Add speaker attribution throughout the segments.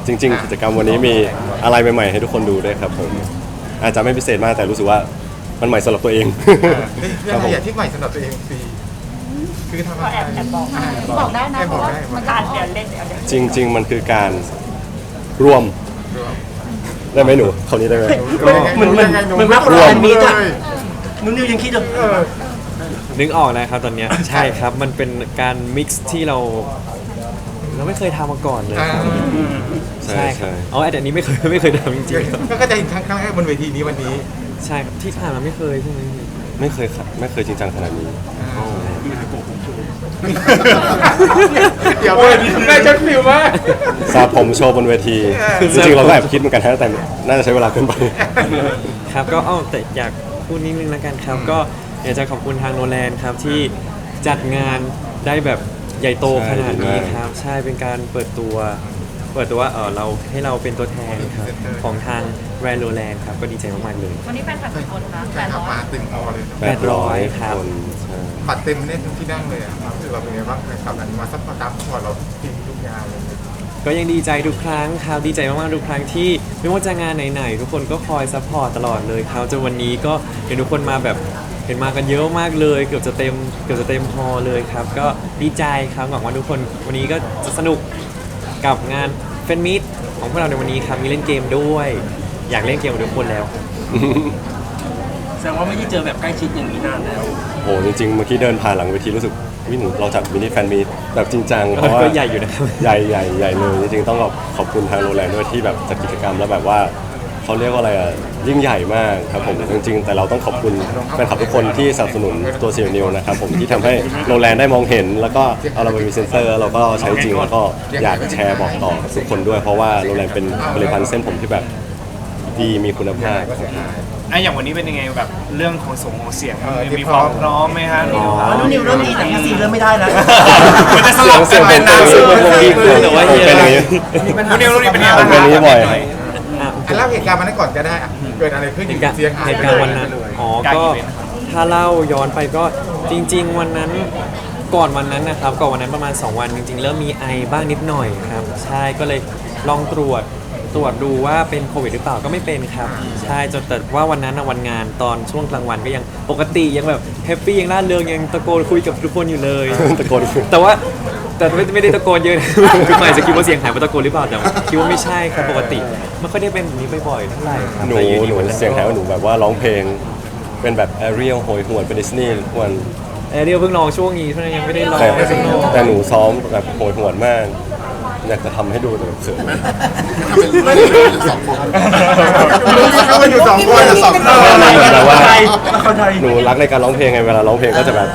Speaker 1: จริงๆกิจกรรมวันนี้มีอะไรใหม่ๆให้ทุกคนดูด้วยครับผมอาจจะไม่พิเศษมากแต่รู้สึกว่ามันใหม่สำหรับตัวเอง
Speaker 2: เรื่องอะไรที่ใหม่สำหรับตัวเองฟรีคือทำอะไร
Speaker 3: แอบบอกได้นะเพราะว่ามันการเดี๋ยวเล่นเดี๋ยวเล่น
Speaker 1: จริง ๆ มันคือการรวมได้ไหมหนูคำนี้ได้ไหม
Speaker 4: มันมากกว่ามีจ้ะนุ่นนิวยังคิดอยู่
Speaker 5: นึกออกนะครับตอนเนี้ยใช่ครับมันเป็นการมิกซ์ที่เราไม่เคยทำมาก่อนเลยครับ
Speaker 1: ใช่
Speaker 5: ครับ
Speaker 1: ใช่
Speaker 5: อ๋อแต่อันนี้ไม่เคยทำจริงๆครับ
Speaker 2: ก็จะเห็นครั้งแรกบนเวทีนี้วันนี้
Speaker 5: ใช่ครับที่ผ่านมาไม่เคยใช่ไหมพี่
Speaker 1: ไม่เคยครับไม่เคยจริงจังขนาดนี้
Speaker 2: เดี๋ยวแม่ชดฟิวมาก
Speaker 1: สาผมโชว์บนเวทีจริงๆเราก็แอบคิดเหมือนกันนะแต่น่าจะใช้เวลาเกินไป
Speaker 5: ครับก็แต่อยากพูดนิดนึงแล้วกันครับ ก็อยากจะขอบคุณทางโนแลนครับที่จัดงานได้แบบใหญ่โตขนาดนี้ครับใช่เป็นการเปิดตัวว่าเราให้เราเป็นตัวแทนครับของทางแบรนด์โนแลนครับก็ดีใจมากๆเลย
Speaker 3: วันนี้แฟนคลับกี่คนคะ
Speaker 2: แฟนคลับมาเต็มฮอลเลย
Speaker 5: 800ครับ
Speaker 1: คนใช่
Speaker 2: บัตรเต็มเนี่ยทุกที่นั่งเลยอ่ะรู้สึกว่าเป็นไงบ้างแฟนคลับนั้นมาซัพพอร์ตตามพอร์ตเราทีมทุกงานเลย
Speaker 5: ก็ยังดีใจทุกครั้งครับดีใจมากๆทุกครั้งที่ไม่ว่าจะงานไหนๆทุกคนก็คอยซัพพอร์ตตลอดเลยครับจนวันนี้ก็เห็นทุกคนมาแบบเห็นมากันเยอะมากเลยเกือบจะเต็มฮอลเลยครับก็ดีใจครับหวังว่าทุกคนวันนี้ก็จะสนุกกับงานแฟนมิตของพวกเราในวันนี้ครับมีเล่นเกมด้วย อยากเล่นเกมกับทุกคนแล้ว
Speaker 4: แสดงว่าไม่ได้เจอแบบใกล้ชิดอย่างนี้นานแล้ว
Speaker 1: โอ้จริงๆเมื่อกี้เดินผ่านหลังเวทีรู้สึกวิหนูเราจัดมินิแฟนมีตแบบจริงจังเพราะว่า
Speaker 5: ก็ใหญ่อยู่นะครับ
Speaker 1: ใหญ่เลยจริงๆต้องขอบคุณทางโรงแรมด้วยที่แบบจัดกิจกรรมแล้วแบบว่าเขาเรียกว่าอะไรอ่ะยิ่งใหญ่มากครับผมจริงๆแต่เราต้องขอบคุณแฟนคลับทุกคนที่สนับสนุนตัวซีนิวนะครับผมที่ทำให้โรงแรมได้มองเห็น แล้วก็เอาเราไปมีเซ็นเซอร์เราก็ใช้จริงแล้วก็อยากแชร์บอกต่อกับทุกคนด้วยเพราะว่าโรงแรมเป็นผลิตภัณฑ์เส้นผมที่แบบดีมีคุณภาพครับ
Speaker 6: อย่างวันนี้เป็นยังไงแบบเรื่องของเสียงมีความพร้อมไหมฮะ
Speaker 4: นุ่นนิวเริ่มดีแต่พี่ซีเริ่มไม่ได้แล้ว
Speaker 6: มันจะสลับ
Speaker 1: เสียงเป็น
Speaker 6: นานสุด
Speaker 5: แต่ว่าเฮีย
Speaker 1: เป็นอย่างนี้
Speaker 6: คุณนิวเป็นยังไง
Speaker 1: เป็นอย่างนี้บ่อย
Speaker 2: เล่าเหตุการณ์วันนั้นก่อนก็ได้อะเกิดอะไรขึ้น
Speaker 5: เหตุการณ์
Speaker 2: เสียงหาย
Speaker 5: เหตุการณ์วันนั้นอ๋อก็ถ้าเล่าย้อนไปก็จริง ๆ วันนั้นก่อนวันนั้นนะครับก่อนวันนั้นประมาณ 2 วันจริงๆเริ่มมีไอบ้างนิดหน่อยครับใช่ก็เลยลองตรวจดูว่าเป็นโควิดหรือเปล่าก็ไม่เป็นครับใช่จนแต่ว่าวันนั้นนะวันงานตอนช่วงกลางวันก็ยังปกติยังแบบแฮปปี้ยังร่าเริงยังตะโกนคุยกับทุกคนอยู่เลย
Speaker 1: ตะโกน
Speaker 5: แต่ว่าไม่ได้ตะโกนเยอะนะ คือหมายจะคิดว่าเสียงหายเพราะตะโกนหรือเปล่าแต่ว่าคิดว่าไม่ใช่ครับปกติไม่ค่อยได้เป็นแบบนี้บ่อยๆเท่าไหร่ครับ
Speaker 1: หนู
Speaker 5: แต่อยู่ดีวันนั้น
Speaker 1: เสียงแถวหนูแบบว่าร้องเพลงเป็นแบบแอเรียลโหยหวนเป็นดิสนีย์ทุกวัน
Speaker 5: เรียวเพิ่งลองช่วงนี้เท่านั้นยังไม่ได้ลอง
Speaker 1: แต่หนูซ้อมแบบโหยหวนมากอยากจะทำให้ดูแต่เขิน
Speaker 2: ไม่ได้อยู่สองคนเขาอยู่สองคนสองคน
Speaker 1: มันเหมือนแบบว่า
Speaker 4: เข้าใจ
Speaker 1: หนูรักในการร้องเพลงไงเวลาร้องเพลงก็จะแบบ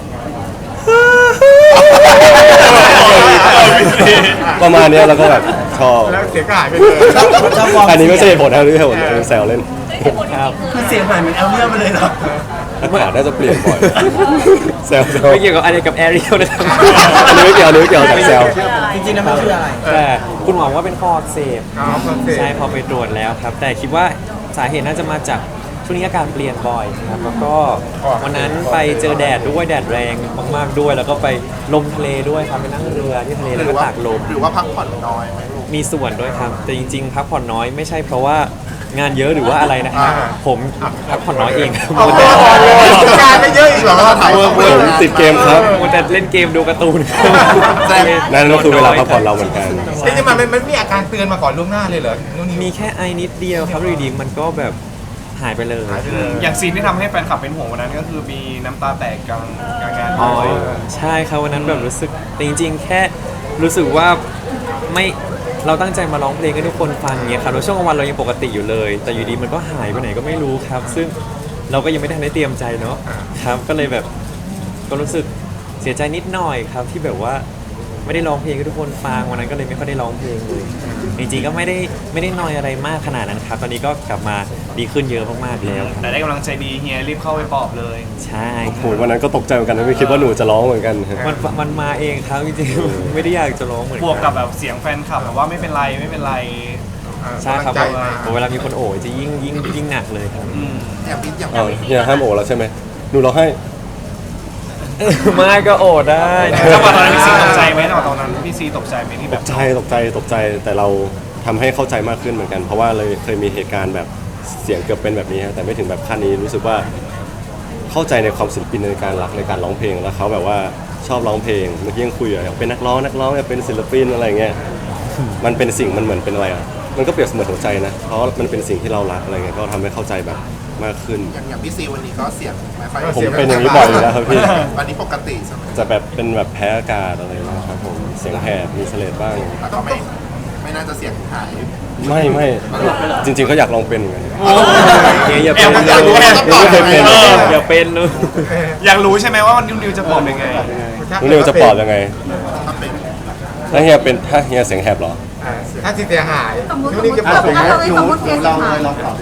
Speaker 1: ประมาณเนี้ยแล้วก็แบบชอบ
Speaker 2: แล้วเสียงก็หายไปเลย
Speaker 1: อันนี้ไม่ใช่เหตุผลนะหรือเหตุผลแซวเล่น
Speaker 5: ครับ
Speaker 4: คือเสียงหายเหมือนแอลเลียไปเลยเหรอ
Speaker 1: อากาศน่าจะเปลี่ยนบ่อยแซว
Speaker 5: ไม่เกี่ยวกับอะไรกับแอเรียลนะครับ
Speaker 1: อันนี้ไม่เกี่ยวกับแซว
Speaker 4: จริงๆแล้วมันคืออะไร
Speaker 5: แต่คุณหมอว่าเป็นคออักเสบ
Speaker 2: อ๋อคอนเสิร์ต
Speaker 5: ใช่พอไปตรวจแล้วครับ แต่คิดว่าสาเหตุน่าจะมาจากช่วงนี้อากาศเปลี่ยนบ่อยครับแล้วก็วันนั้นไปเจอแดดด้วยแดดแรงมากๆด้วย แล้วก็ไปลมทะเลด้วยครับไปนั่งเรือที่ทะเลแล้วก็ตากลม
Speaker 2: หรือว่าพักผ่อนน้อยไหมลูก
Speaker 5: มีส่วนด้วยครับ แต่จริงๆพักผ่อนน้อยไม่ใช่เพราะว่างานเยอะหรือว่าอะไรนะครับ ผมพักผ่อนน้อยเองครับ
Speaker 2: เอาตัวก่อนเลยการไม่เยอะอีกเหรอถ่าย
Speaker 1: ผมติดเกมครับ
Speaker 5: มัวแต่เล่นเกมดูการ์ตูนครับ
Speaker 1: นั่นก็คือเวลาพักผ่อนเราเหมือนกัน
Speaker 2: จริงๆมันมีอาการเตือนมาก่อนล่วงหน้าเลยเหรอนู่นนี่
Speaker 5: มีแค่ไอนิดเดียวครับอยู่ดีๆมันก็แบบหายไปเลย
Speaker 6: อย่างซีนที่ทำให้แฟนคลับเป็นห่วงวันนั้นก็คือมีน้ำตาแตกกลางงาน
Speaker 5: อ๋อ
Speaker 6: ด้วย
Speaker 5: ใช่ครับวันนั้นแบบรู้สึกแต่จริงๆ แค่รู้สึกว่าไม่เราตั้งใจมาร้องเพลงให้ทุกคนฟังเงี้ยครับแล้วช่วงกลางวันเรายังปกติอยู่เลย แต่อยู่ดีมันก็หายไปไหนก็ไม่รู้ครับ ซึ่งเราก็ยังไม่ทันได้เตรียมใจเนาะครับก็เลยแบบก็รู้สึกเสียใจนิดหน่อยครับที่แบบว่าไม่ได้ร้องเพลงให้ทุกคนฟังวันนั้นก็เลยไม่ค่อยได้ร้องเพลงเลยจริงๆก็ไม่ได้นอยอะไรมากขนาดนั้นครับตอนนี้ก็กลับมาดีขึ้นเยอะมากๆแล้ว
Speaker 6: แต่ได้กำลังใจดีเฮียรีบเข้าไปปลอบเลย
Speaker 5: ใช่
Speaker 1: โอ้โหวันนั้นก็ตกใจเหมือนกันนะไม่คิดว่าหนูจะร้องเหมือนกัน
Speaker 5: มันมาเองครับจริงๆไม่ได้อยากจะร้องเหมือน
Speaker 6: บวก
Speaker 5: กั
Speaker 6: กับแบบเสียงแฟนคลับแบบว่าไม่เป็นไรไม่เป็นไร
Speaker 5: ใช่ครับ
Speaker 2: ใจมา
Speaker 5: เวลามีคนโอบจะยิ่งหนักเลยครับ
Speaker 1: เนี่ยห้ามโอแล้วใช่ไหมหนูร้องให้
Speaker 5: ไม่ก็โอบได้
Speaker 6: จังหวะตอนนั้นพี่ซีตกใจไหมจังหวะตอนนั้นพี่ซีตกใจไหมที่
Speaker 1: ต
Speaker 6: แบบ
Speaker 1: กใจแต่เราททำให้เข้าใจมากขึ้นเหมือนกันเพราะว่าเลยเคยมีเหตุการณ์แบบเสียงเกือบเป็นแบบนี้ฮะแต่ไม่ถึงแบบขั้นนี้รู้สึกว่าเข้าใจในความศิลปินในการรักในการร้องเพลงแล้วเขาแบบว่าชอบร้องเพลงเมื่อกี้ยังคุยอยากเป็นนักร้องอยากเป็นศิลปินอะไรเงี้ยมันเป็นสิ่งมันเหมือนเป็นอะไรอ่ะมันก็เปรียบเสมือนหัวใจนะเพราะมันเป็นสิ่งที่เรารักอะไรเงี้ยก็ทำให้เข้าใจแบบมากขึ้น
Speaker 7: อย่างพี่ซีวันนี้ก็เสียงไม่ค่อย
Speaker 1: ผมเป็นอย่างนี้บ่อยอยู่แล้วครับพี่
Speaker 7: วันนี้ปกติใช่ไหม
Speaker 1: จะแบบเป็นแบบแพ้อากาศอะไรนะครับผมเสียงแหบมีเสลดบ้าง
Speaker 7: แล้วก็ไม่น่าจะเสียงหาย
Speaker 1: ไม่จริงๆก็อยากลองเป็นเหมือนกัน
Speaker 5: อย่าเป็น
Speaker 7: อยากรู้ว่าต้องตอบ
Speaker 1: ไม่เคยเป็น
Speaker 7: ยังไง
Speaker 5: อย่าเป็นเลย
Speaker 6: อยากรู้ใช่ไหมว่านิวจะบอกยังไง
Speaker 1: น้องนิวจะปลอบยังไง
Speaker 7: ถ้าเป็น
Speaker 1: ถ้าเฮียเสียงแหบเหรอ
Speaker 2: ถ้าเสียหาย
Speaker 3: สมมติ
Speaker 2: นู่นนี่จะ
Speaker 3: สมมติสมมติเสียงหาย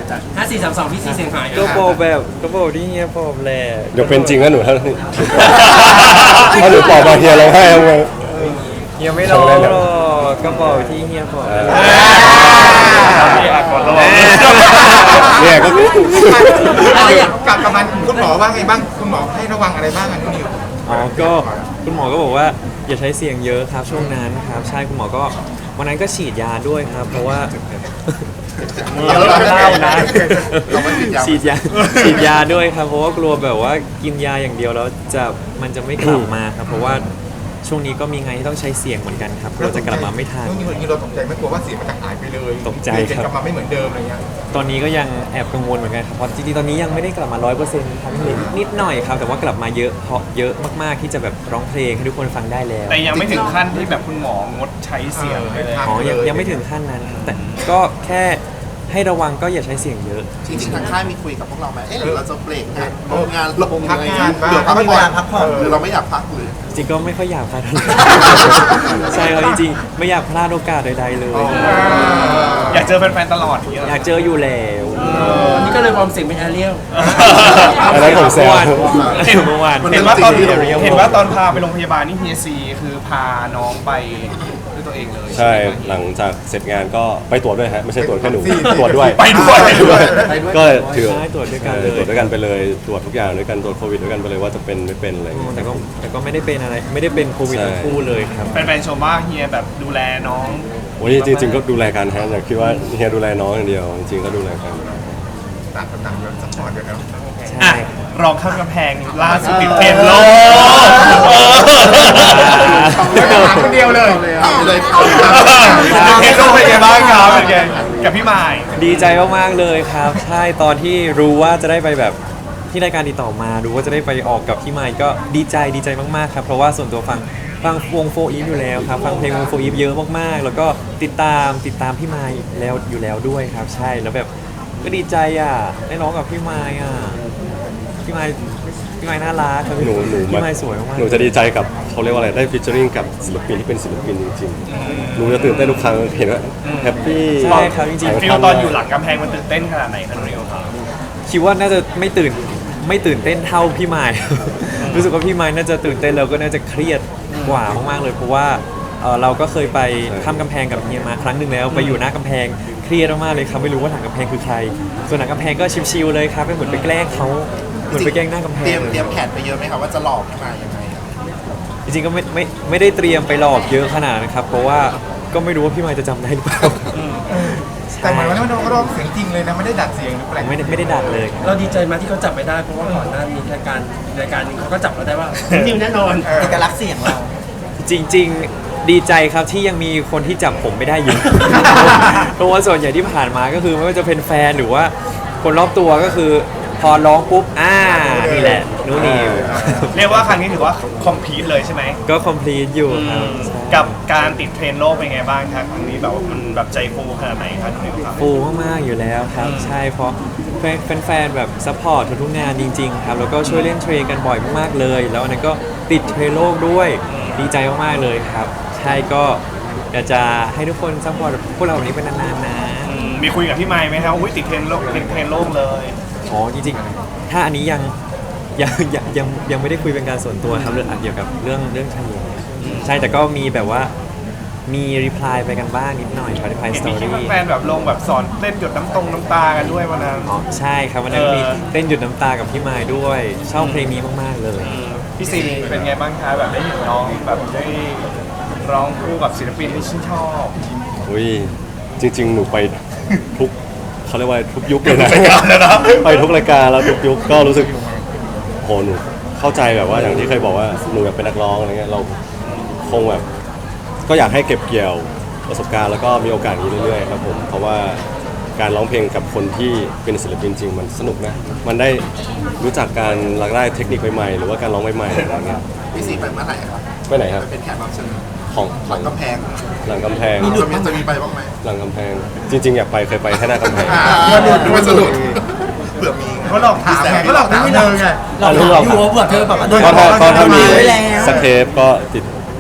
Speaker 4: 5432พี่ซีเสียงหาย
Speaker 5: ก็บอกแบบก็บอกที่เฮียบอกแหละ
Speaker 1: เดี๋ยวเป็นจริงนะหนูถ้าหนูปลอบมาเฮียร้องไห้ทำไง
Speaker 5: เฮียไม่ร้องหรอกก็บอกที่เฮียบอกนั่นแหละ
Speaker 6: พี่อาก่อนระวัง
Speaker 1: เนี่ยก็
Speaker 2: กับมันคุณหมอว่าไงบ้างคุณหมอให้ระวังอะไรบ้างอ่ะนิว
Speaker 5: อ๋อก็คุณหมอก็บอกว่าอย่าใช้เสียงเยอะครับช่วงนั้นครับใช่คุณหมอก็วันนั้นก็ฉีดยาด้วยครับ เพราะว่า
Speaker 7: เราไม่
Speaker 5: เล่านะ
Speaker 7: เราไม่ติดยา
Speaker 5: ฉีดยาด้วยครับเพราะว่ากลัวแบบว่ากินยาอย่างเดียวแล้วมันจะไม่กลับมาครับเพราะว่าช่วงนี้ก็มีงานที่ต้องใช้เสียงเหมือนกันครับกลัวจะกลับมาไม่ทัน
Speaker 2: นี่เราตกใจไม่กลัวว่าเสียงมันจะหายไปเลย
Speaker 5: ตกใจครับ
Speaker 2: กลับมาไม่เหมือนเดิมอะไรเงี้ย
Speaker 5: ตอนนี้ก็ยังแอบกังวลเหมือนกันครับเพราะจริงๆตอนนี้ยังไม่ได้กลับมา 100%ครับนิดหน่อยครับแต่ว่ากลับมาเยอะเพราะเยอะมากๆที่จะแบบร้องเพลงให้ทุกคนฟังได้แล้ว
Speaker 6: แต่ยังไม่ถึงขั้นที่แบบคุณหมองดใช้เสียงเลย
Speaker 5: อ๋อยังไม่ถึงขั้นนั้นครับแต่ก็แค่ให้ระวังก็อย่าใช้เสียงเยอะ
Speaker 7: จริงๆทางค่ายมีคุยกับพวกเราไหมหรือเราจะเบรกงานงาน
Speaker 2: พักงานบ้าง
Speaker 7: หรือพักผ่อนหรือเราไม่อยากพักหรือ
Speaker 5: จริงๆก็ไม่ค่อยอยากพลาดเท่าไหร่ ใช่ครับจริงๆไม่อยากพลาดโอกาสใดๆเลย
Speaker 6: อยากเจอแฟนๆตลอดอย่างเงี้ย
Speaker 5: อยากเจออยู่แล้ว
Speaker 4: วันนี้ก็เลยวอร์มเสียงเป็นแอเรียล
Speaker 1: อันนั้นผมแซว
Speaker 5: เมื่อวาน
Speaker 6: เห็นว่าตอนพาไปโรงพยาบาลนี่เฮียซีคือพาน้องไปด้วยตัวเองเลย
Speaker 1: ใช่หลังจากเสร็จงานก็ไปตรวจด้วยฮะไม่ใช่ตรวจแค่หนูตรวจด้วย
Speaker 6: ไปด้วย
Speaker 1: ก็ถือ
Speaker 5: ใช่ตรวจด้วยกันเลย
Speaker 1: ตรวจด้วยกันไปเลยตรวจทุกอย่างด้วยกันตรวจโควิดด้วยกันไปเลยว่าจะเป็นไม่เป็นอะไรอย่างเงี้ย
Speaker 5: แต่ก็ไม่ได้เป็นอะไรไม่ได้เป็นโควิด
Speaker 1: ใช่
Speaker 5: ทั้งคู่เลยครับ
Speaker 6: แฟนๆชมว่าเฮียแบบดูแลน้อง
Speaker 1: โอ้ยจริงๆก็ดูแลกันฮะอย่าคิดว่าเฮียดูแลน้องอย่างเดียวจริงๆก็ดูแลกัน
Speaker 2: ต่างคนต่างแบบซัพพอร์ตกันเนาะ
Speaker 5: ใช่
Speaker 6: อ่ะรองข้ามกำแพงล่าสุดติดเทรนด์โลก
Speaker 2: คนเดียวเลย
Speaker 7: ถามไปเลย
Speaker 6: เทรนด์โลกเป็นไงบ้างครับเป็นไงกับพี่หมาย
Speaker 5: ดีใจมากๆเลยครับ ใช่ตอนที่รู้ว่าจะได้ไปแบบที่รายการติดต่อมารู้ว่าจะได้ไปออกกับพี่ไมค์ก็ดีใจมากๆครับเพราะว่าส่วนตัวฟังวงโฟอีฟอยู่แล้วครับฟังเพลงวงโฟอีฟเยอะมากๆ แล้วก็ติดตามพี่ไมค์แล้วอยู่แล้วด้วยครับ ใช่แล้วแบบก็ดีใจอ่ะได้ร้องกับพี่ไมค์อ่ะพี่ไมค์น่ารักครับ
Speaker 1: หนู
Speaker 5: พี่ไมค์สวยมากๆ
Speaker 1: หนูจะดีใจกับเขาเรียกว่าอะไรได้ฟิชเชอริงกับศิลปินที่เป็นศิลปินจริงๆหนูจะตื่นเต้นทุกครั้งเห็นว่าแฮปปี้
Speaker 5: ใช่ครับจริงๆ
Speaker 6: ฟิลตอนอยู่หลังกำแพงมันตื่นเต้นขนาดไหนครับนิวครับ
Speaker 5: คิดว่าน่าจะไม่ตื่นเต้นเท่าพี่ไมค์ รู้สึกว่าพี่ไมค์น่าจะตื่นเต้นแล้วก็น่าจะเครียดกว่ามากๆเลยเพราะว่าเราก็เคยไปข้ามกำแพงกับเฮียมาครั้งหนึ่งแล้วไปอยู่หน้ากำแพงเครียดมากๆเลยครับไม่รู้ว่าหลังกำแพงคือใคร ส่วนหลังกำแพงก็ชิลๆเลยครับเป็นเหมือนไปแกล้งเขาเหมือนไปแกล้งหน้ากำแพ
Speaker 7: เตรี
Speaker 5: ง
Speaker 7: ยมแผนไปเยอะไหมครับว่าจะหลอกให้มายังไง
Speaker 5: จริงๆก็ไม่ได้เตรียมไปหลอกเยอะขนาดนั้นครับเพราะว่าก็ไม่รู้ว่าพี่ไมค์จะจำได้หรือเปล่า
Speaker 2: แต่หมายว่าน้องร้องเสียงจริงเลยนะไม่ได้ดัดเสียงหรือแปลง
Speaker 5: ไม่ได้ดัดเลยครับ
Speaker 4: เราดีใจมากที่เขาจับไม่ได้เพราะว่าก่อนหน้ามีรายการหนึงเขาก็จับเราได้ว่านิวแน่นอนเอกลักษณ์เสียงเรา
Speaker 5: จริงๆดีใจครับที่ยังมีคนที่จับผมไม่ได้อยู่ เพราะว่าส่วนใหญ่ที่ผ่านมาก็คือไม่ว่าจะเป็นแฟนหรือว่าคนรอบตัวก็คือพอร้องปุ๊บนี่แหละนู่นนิว
Speaker 6: เรียกว่าครั้งนี้ถือว่าคอมพลีทเลยใช่ไหม
Speaker 5: ก็ complete อยู่ครับใช่
Speaker 6: กับการติดเทรนด์โลกเป็นไงบ้างครับครั้งนี้แบบว่ามันแบบใจฟูขนาดไหนครับนิวครับ
Speaker 5: ฟูมากๆอยู่แล้วครับใช่เพราะแฟนๆแบบซัพพอร์ตทุกๆงานจริงๆครับแล้วก็ช่วยเล่นเทรนกันบ่อยมากๆเลย แล้วอันนั้นก็ติดเทรนโลกด้วยดีใจมากๆเลยครับ ใช่ก็อยากจะให้ทุกคนซัพพอร์ตพวกเราแบบนี้เป็นนานๆนะ
Speaker 6: มีคุยกับพี่ไมค์ไหมครับอุ้ยติดเทรนด์โลกติดเทรนด์โลกเลย
Speaker 5: อ๋อจริงๆถ้าอันนี้ยังไม่ได้คุยเป็นการส่วนตัวครับเรื่องเกี่ยวกับเรื่องทะเลใช่แต่ก็มีแบบว่ามีรีプライไปกันบ้างนิดหน่อยครับรีプライ
Speaker 6: เห็
Speaker 5: ส
Speaker 6: น
Speaker 5: ตอ
Speaker 6: มีคลิป
Speaker 5: รี่
Speaker 6: แฟนๆแบบลงแบบสอนเล่นหยดน้ำตากันด้วยวันนั้น
Speaker 5: อ๋อใช่ครับวันนั้นมีเต้นหยุดน้ำตากับพี่มายด้วยชอบเพลงนี้มากๆเลย
Speaker 6: พี่ซีเป็นไงบ้างคะแบบได้เห็นน้องแบบได้ร้องคู่กับศิลปินที่ชื่นชอบ
Speaker 1: อุ้ยจริง ๆ หนูไปทุกเขาเรียกว่าทุกยุคเลยนะไปทุกรายการแล้วทุกยุคก็รู้สึกโหหนูเข้าใจแบบว่าอย่างที่เคยบอกว่าหนูอยากเป็นนักร้องอะไรเงี้ยเราคงแบบก็อยากให้เก็บเกี่ยวประสบการณ์แล้วก็มีโอกาสนี้เรื่อยๆครับผมเพราะว่าการร้องเพลงกับคนที่เป็นศิลปินจริงมันสนุกนะมันได้รู้จักการหลากหลายเทคนิคใหม่ๆหรือว่าการร้องใหม่ๆอะไรเงี้ย
Speaker 7: พี่สีไปเมื่อไหร่ครับ
Speaker 1: ไปไหนครับ
Speaker 7: ไปเป็นแขกรับเชิญ
Speaker 1: ของ
Speaker 7: หลังกำแพง
Speaker 1: หลังกำแพง
Speaker 7: จะมีไปบ้างไหม
Speaker 1: หลังกำแพงจริงๆอยากไปเคยไปแค่หน้ากำแพง
Speaker 7: ดูว่าสนุกเผื่อมี
Speaker 2: เขาหลอกถามไงเขาหลอกถามเธอไง
Speaker 1: เรารู้เรา
Speaker 4: อยู่ว่าเบื่อเธอแบบว่าโดน
Speaker 1: ก็ถ้ามี
Speaker 4: ไว้แล้ว
Speaker 1: สเทปก็ติด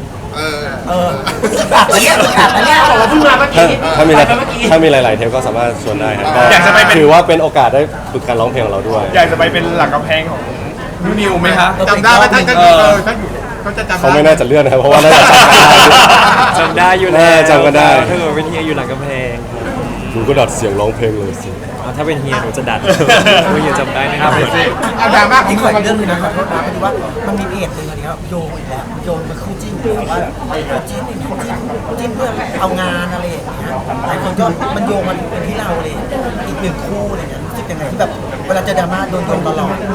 Speaker 4: อันเนี้ยอันเนี้ยบอกว่าเพิ่งมาเมื่อกี้
Speaker 1: ถ้ามี
Speaker 4: ไปเมื่อกี้
Speaker 1: ถ้ามีหลาย ๆ เทปก็สามารถชวนได้ครับก็
Speaker 6: อยากจะไปเป็น
Speaker 1: ถือว่าเป็นโอกาสได้ฝึกการร้องเพลงของเราด้วย
Speaker 6: อยากจะไปเป็นหลังกำแพงของนูนิวไหมคะ
Speaker 2: จำได้ไหมท่านก็ท่านอยู่เขาจะจำ
Speaker 1: เขาไม่น่าจะเลื่อนนะครับเพราะว่าน่าจะจำกันได้
Speaker 5: จำได้อยู่แล้ว
Speaker 1: จำกันได้
Speaker 5: ถ้าเกิดเป็นเฮียอยู่หลังกำแพง
Speaker 1: หนูก็ดัดเสียงร้องเพลงเลยสิ
Speaker 5: ถ้าเป็นเฮียหนูจะดัดเฮียจำได้นะครับ
Speaker 2: เอาดราม่าขอ
Speaker 8: อี
Speaker 2: ง
Speaker 8: ก
Speaker 2: คน
Speaker 8: เรื่องหนึงนะครับรถน้ำพอดีว่ามันมีเพจหนึ่งอันนี้ครับโยงอีกแล้วโยงมาคู่จิ้นอีกแล้วว่าคู่จิ้นจิ้นเพื่อเอางานอะไรอย่างเงี้ยหลายคนก็มันโยงมันเป็นที่เราเลยอีกหนึ่งคู่อะไรเงี้ยรู้สึกยังไงที่แบบเวลาเจอดราม่าโดนโยงตลอด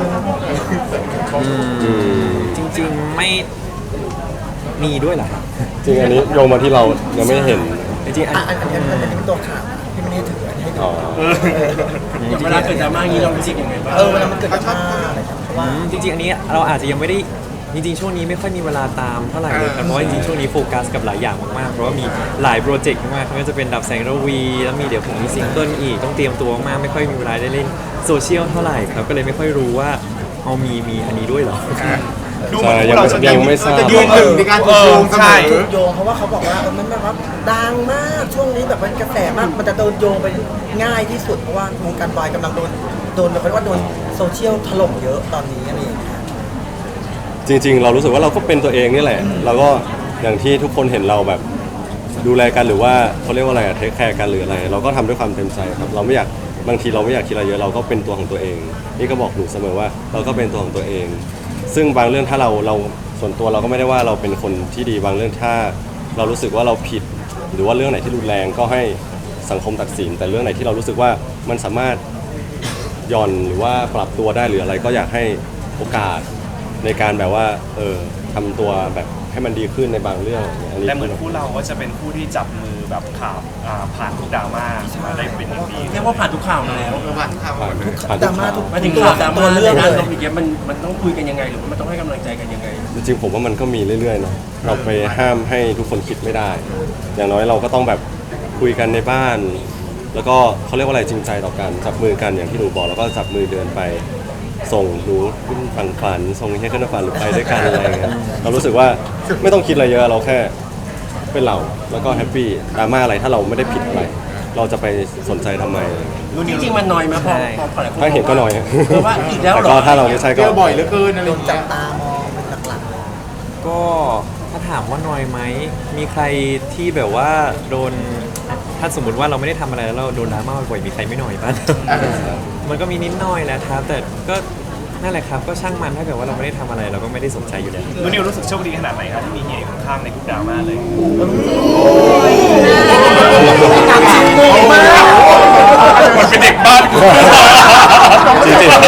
Speaker 5: จริงๆไม่มีด้วยเหรอครับ
Speaker 1: จริงอันนี้โยงมาที่เรายังไม่เห็น
Speaker 5: จริงๆอัน
Speaker 8: อันนี้เป็นตัวข่าวที่ไม่ได้ถืออันนี้ให้ดู
Speaker 1: อ๋อ
Speaker 4: เวลาเกิดดราม่าอย่างนี้เรารู้สึกยังไงบ้าง
Speaker 8: เวลามันเกิดดราม่าอะไรครับเพราะว่า
Speaker 5: จริงๆอันนี้เราอาจจะยังไม่ได้จริงๆช่วงนี้ไม่ค่อยมีเวลาตามเท่าไหร่เลยครับเพราะว่าจริงๆช่วงนี้โฟกัสกับหลายอย่างมากๆเพราะว่ามีหลายโปรเจกต์มากไม่ว่าจะเป็นดับแสงระวีแล้วมีเดี๋ยวผมมีซิงเกิลอีกต้องเตรียมตัวมากไม่ค่อยมีเวลาได้เล่นโซเชียลเท่าไหร่ครับก็เลยไม่ค่อยรู้ว่าเอามีอันนี้ด้วยเหรอ
Speaker 6: ดูเหมือน
Speaker 1: ใช่
Speaker 6: พวกเราจะ
Speaker 1: ยังไม่ทราบ
Speaker 2: จะยืนหนึ่งในการถูกโยงเสม
Speaker 6: ใช่
Speaker 2: อ
Speaker 8: ถูกโยงเพราะว่าเขาบอกว่ามันแบบว่าดังมากช่วงนี้แบบมันกระแสมากมันจะโดนโยงไปง่ายที่สุดเพราะว่าวงการวายกำลังโดนแบบว่าโดนโซเชียลถล่มเยอะตอนนี้อะไรอย่างเงี้ย
Speaker 1: จริง ๆ เรารู้สึกว่าเราก็เป็นตัวเองนี่แหละเราก็อย่างที่ทุกคนเห็นเราแบบดูแลกันหรือว่าเขาเรียกว่าอะไรอะเทคแคร์กันหรืออะไร เราก็ทำด้วยความเต็มใจครับเราไม่อยากบางทีเราไม่อยากคิดอะไรเยอะเราก็เป็นตัวของตัวเองนี่ก็บอกหนูเสมอว่าเราก็เป็นตัวของตัวเอง ซึ่งบางเรื่องถ้าเราส่วนตัวเราก็ไม่ได้ว่าเราเป็นคนที่ดีบางเรื่องถ้าเรารู้สึกว่าเราผิด หรือว่าเรื่องไหนที่รุนแรงก็ให้สังคมตัดสิน แต่เรื่องไหนที่เรารู้สึกว่ามันสามารถหย่อนหรือว่าปรับตัวได้หรืออะไรก็อยากให้โอกาสในการแบบว่าทำตัวแบบให้มันดีขึ้นในบางเรื่องอันนี้
Speaker 6: แต่เหมือนคู่เราก็จะเป็นคู่ที่จับมือแบบผ่านทุกดราม่ามาได้เป็นอย่างดี
Speaker 4: เรียกว่าผ่านทุกข่าวมาแล้ว
Speaker 2: ผ่านข่าว
Speaker 1: ผ่าน
Speaker 8: ดราม่าทุก
Speaker 4: มาถึงข่าวดราม่า
Speaker 8: ตัวเรื่อง
Speaker 4: ใน
Speaker 8: เล
Speaker 4: ด้าน
Speaker 8: ย
Speaker 4: ลบอย่างเงี้ยมันต้องคุยกันยังไงหรือว่ามันต้องให้กำลังใจกันยังไง
Speaker 1: จริงๆผมว่ามันก็มีเรื่อยๆเนาะเราไปห้ามให้ทุกคนคิดไม่ได้ อย่างน้อยเราก็ต้องแบบคุยกันในบ้าน แล้วก็เขาเรียกว่าอะไรจริงใจต่อกันจับมือกันอย่างที่หนูบอกแล้วก็จับมือเดินไปส่งหนูขึ้นฝั่งฝันส่งให้ขึ้นฝันหรือไปด้วยกันอะไรเงี้ยเรารู้สึกว่าไม่ต้องคิดอะไรเยอะเราแค่เป็นเราแล้วก็แฮปปี้ดราม่าอะไรถ้าเราไม่ได้ผิดอะไร เราจะไปสนใจทำไม
Speaker 4: จริงๆมันน้อยไหมพอหลายคน
Speaker 1: ถ้าเห็นก็น้อย
Speaker 4: เพราะว่าอีกแล้ว
Speaker 1: แต่
Speaker 4: เหร
Speaker 1: ก็
Speaker 4: อ
Speaker 1: ถ้าเราไม่ใช่
Speaker 2: เจ
Speaker 1: ก็
Speaker 2: อบ่อยเหลือเกินอะไร
Speaker 8: โด
Speaker 2: อน ย่าง
Speaker 8: จั
Speaker 2: เงี้
Speaker 8: บ
Speaker 2: ย
Speaker 8: ตามองเป็นหลัก
Speaker 5: ก็ถ้าถามว่าน้อยไหมมีใครที่แบบว่าโดนถ้าสมมติว่าเราไม่ได้ทำอะไรแล้วเราโดนดราม่าบ่อยๆมีใครไม่หน่อยบ้าง มันก็มีนิดหน่อยแหละครับ แต่ก็นั่นแหละครับก็ช่างมันถ้าเกิดว่าเราไม่ได้ทำอะไรเราก็ไม่ได้สนใจอยู่แล้ว
Speaker 6: นูนิวรู้สึกโชคดีขนาดไหนครับที่มีเฮียอยู่ข้างๆในทุกดราม่าเลย มันเป็นเด็กบ้าน
Speaker 1: จริงๆจริงๆ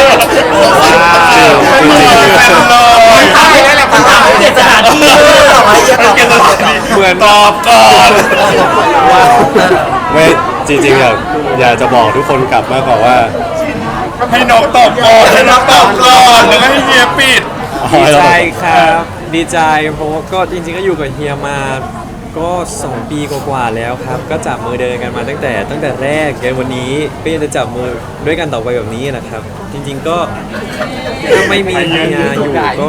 Speaker 2: ใช่แล้วแหละ
Speaker 4: เปลี่ยนสถานที่
Speaker 1: เหมือนตอบก่อนไม่จริงๆอยากจะบอกทุกคนกลับมากกว่าว่า
Speaker 6: ให้น้องตอบก่อนให้น้องตอบก่อนแล้วก็ให้เฮียปิด
Speaker 5: ดีใจครับ ดีใจเพราะว่าก็จริงๆก็อยู่กับเฮียมาก็2 ปีกว่าๆแล้วครับ ก็จับมือเดินกันมาตั้งแต่แรกจนวันนี้ก็ยังจะจับมือด้วยกันต่อไปแบบนี้แหละครับ จริงๆก็ถ้าไม่มีเฮียอยู่ก็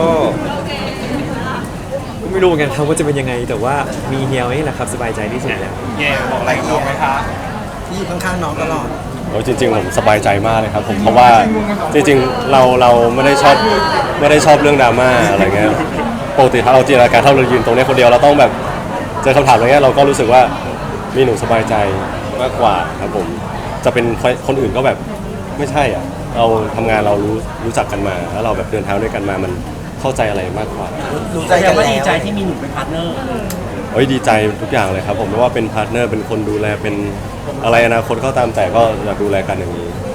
Speaker 5: ไม่รู้เหมือนกันครับว่าจะเป็นยังไง แต่ว่ามีเฮียนี่แหละครับสบายใจที่สุดแล้ว
Speaker 6: เย่บอกอะไรกับน้องไหมคะ
Speaker 8: ๆที่อยู่ข้างๆน้องตลอด
Speaker 1: โอ้จริงๆผมสบายใจมากเลยครับผมเพราะว่าจริงๆเราไม่ได้ชอบเรื่องดราม่าอะไรเงี้ยปกติถ้าเราจินตนาการถ้าเรายืนตรงนี้คนเดียวเราต้องแบบเจอคำถามอะไรเงี้ยเราก็รู้สึกว่ามีหนูสบายใจมากกว่าครับผมจะเป็นคนอื่นก็แบบไม่ใช่อ่ะเราทำงานเรารู้จักกันมาแล้วเราแบบเดินทางด้วยกันมามันเข้าใจอะไรมากกว่า
Speaker 8: รู้ใจ
Speaker 4: แสด
Speaker 8: กัน
Speaker 4: งว่า
Speaker 8: แล้
Speaker 4: ดี
Speaker 8: ว
Speaker 4: ใจที่มีหนุ่มเป็นพาร์ทเนอร์
Speaker 1: เฮ้ยดีใจทุกอย่างเลยครับผมไม่ว่าเป็นพาร์ทเนอร์เป็นคนดูแลเป็นอะไรอนาคตก็ตามแต่ก็อยากดูแลกันอย่างนี้